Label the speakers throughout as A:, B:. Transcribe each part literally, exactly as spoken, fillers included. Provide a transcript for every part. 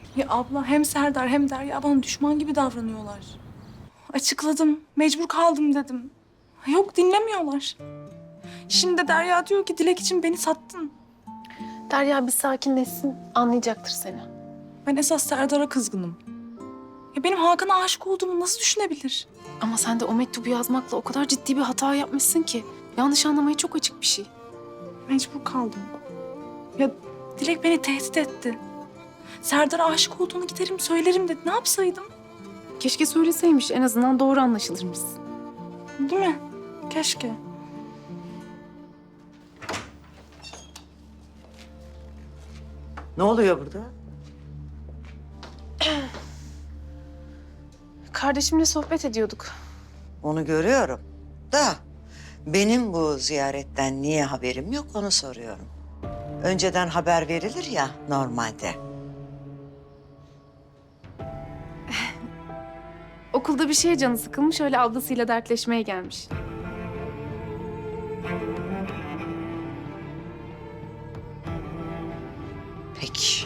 A: Ya abla hem Serdar hem Derya bana düşman gibi davranıyorlar. Açıkladım, mecbur kaldım dedim. Yok dinlemiyorlar. Şimdi de Derya diyor ki Dilek için beni sattın.
B: Derya bir sakinleşsin, anlayacaktır seni.
A: Ben esas Serdar'a kızgınım. Ya benim Hakan'a aşık olduğumu nasıl düşünebilir?
B: Ama sen de o mektubu yazmakla o kadar ciddi bir hata yapmışsın ki. Yanlış anlamaya çok açık bir şey.
A: Mecbur kaldım. Ya Dilek beni tehdit etti. Serdar'a aşık olduğunu giderim söylerim dedi. Ne yapsaydım?
B: Keşke söyleseymiş, en azından doğru anlaşılırmış.
A: Değil mi? Keşke.
C: Ne oluyor burada?
B: Kardeşimle sohbet ediyorduk.
C: Onu görüyorum. Da benim bu ziyaretten niye haberim yok onu soruyorum. Önceden haber verilir ya normalde.
B: Okulda bir şeye canı sıkılmış, öyle ablasıyla dertleşmeye gelmiş.
C: Peki.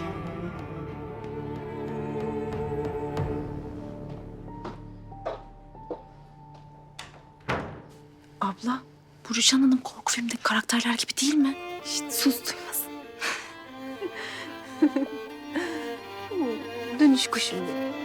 A: Abla, bu Rüçhan Hanım korku filmindeki karakterler gibi değil mi?
B: Şişt, sus duymasın. Dönüş kuşum benim.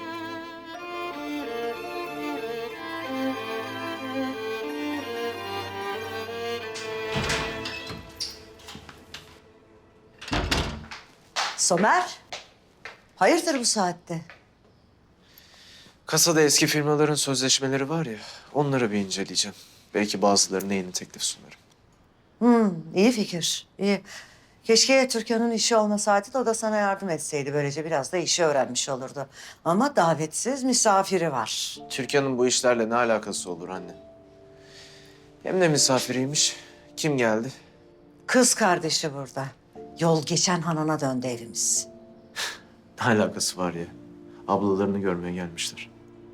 C: Somer. Hayırdır bu saatte?
D: Kasada eski firmaların sözleşmeleri var ya, onları bir inceleyeceğim. Belki bazılarına yeni teklif sunarım.
C: Hmm, iyi fikir. İyi. Keşke Türkan'ın işi olmasaydı da o da sana yardım etseydi. Böylece biraz da işi öğrenmiş olurdu. Ama davetsiz misafiri var.
D: Türkan'ın bu işlerle ne alakası olur anne? Hem de misafiriymiş. Kim geldi?
C: Kız kardeşi burada. Yol geçen hanına döndü evimiz.
D: Ne alakası var ya? Ablalarını görmeye gelmişler.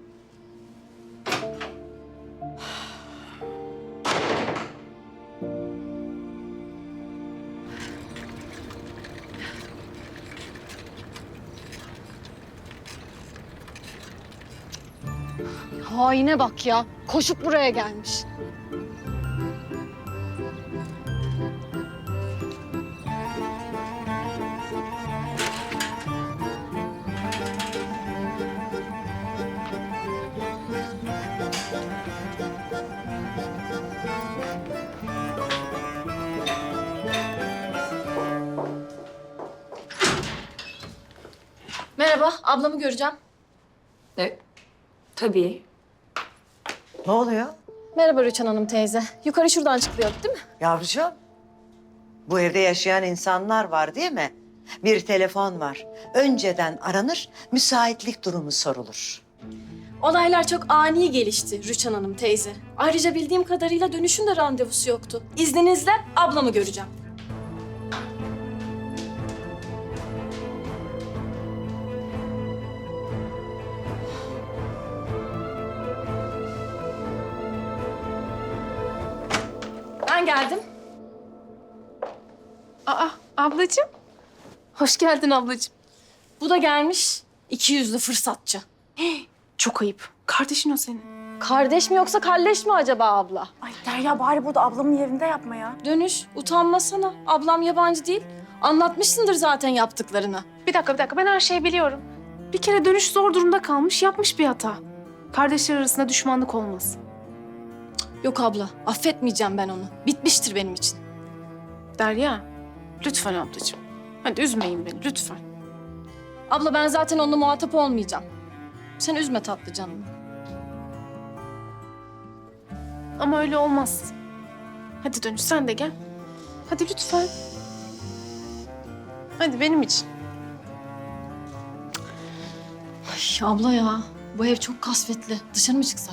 E: Haine bak ya. Koşup buraya gelmiş.
F: Merhaba, ablamı göreceğim.
G: E, tabii.
C: Ne oluyor?
F: Merhaba Rüçhan Hanım teyze. Yukarı şuradan çıkılıyordu değil mi?
C: Yavrucuğum, bu evde yaşayan insanlar var değil mi? Bir telefon var. Önceden aranır, müsaitlik durumu sorulur.
F: Olaylar çok ani gelişti Rüçhan Hanım teyze. Ayrıca bildiğim kadarıyla dönüşün de randevusu yoktu. İzninizle ablamı göreceğim. Ben geldim.
B: Aa, ablacığım. Hoş geldin ablacığım.
F: Bu da gelmiş. İki yüzlü fırsatçı.
B: Çok ayıp. Kardeşin o senin.
F: Kardeş mi yoksa kalleş mi acaba abla?
A: Ay Derya bari burada ablamın yerinde yapma ya.
F: Dönüş, utanmasana. Ablam yabancı değil. Anlatmışsındır zaten yaptıklarını.
B: Bir dakika, bir dakika. Ben her şeyi biliyorum. Bir kere dönüş zor durumda kalmış, yapmış bir hata. Kardeşler arasında düşmanlık olmaz.
F: Yok abla, affetmeyeceğim ben onu. Bitmiştir benim için.
B: Derya, lütfen ablacığım. Hadi üzmeyin beni, lütfen.
F: Abla ben zaten onunla muhatap olmayacağım. Sen üzme tatlı canımı.
B: Ama öyle olmaz. Hadi dönüş, sen de gel. Hadi lütfen. Hadi benim için.
F: Ay abla ya, bu ev çok kasvetli. Dışarı mı çıksak?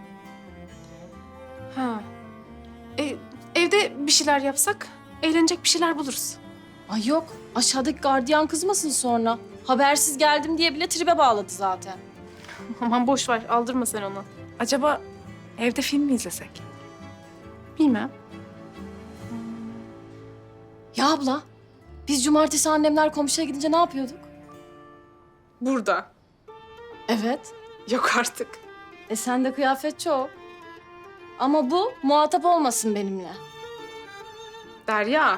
B: Ha. E, evde bir şeyler yapsak, eğlenecek bir şeyler buluruz.
F: Ay yok, aşağıdaki gardiyan kızmasın sonra. Habersiz geldim diye bile tribe bağladı zaten.
B: Aman boş ver, aldırma sen onu.
A: Acaba evde film mi izlesek?
B: Bilmem.
F: Ya abla, biz cumartesi annemler komşuya gidince ne yapıyorduk?
B: Burada.
F: Evet.
B: Yok artık.
F: E sende kıyafet çok. Ama bu muhatap olmasın benimle.
B: Derya.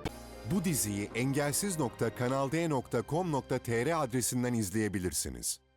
H: Bu diziyi engelsiz nokta kanalde nokta com nokta tr adresinden izleyebilirsiniz.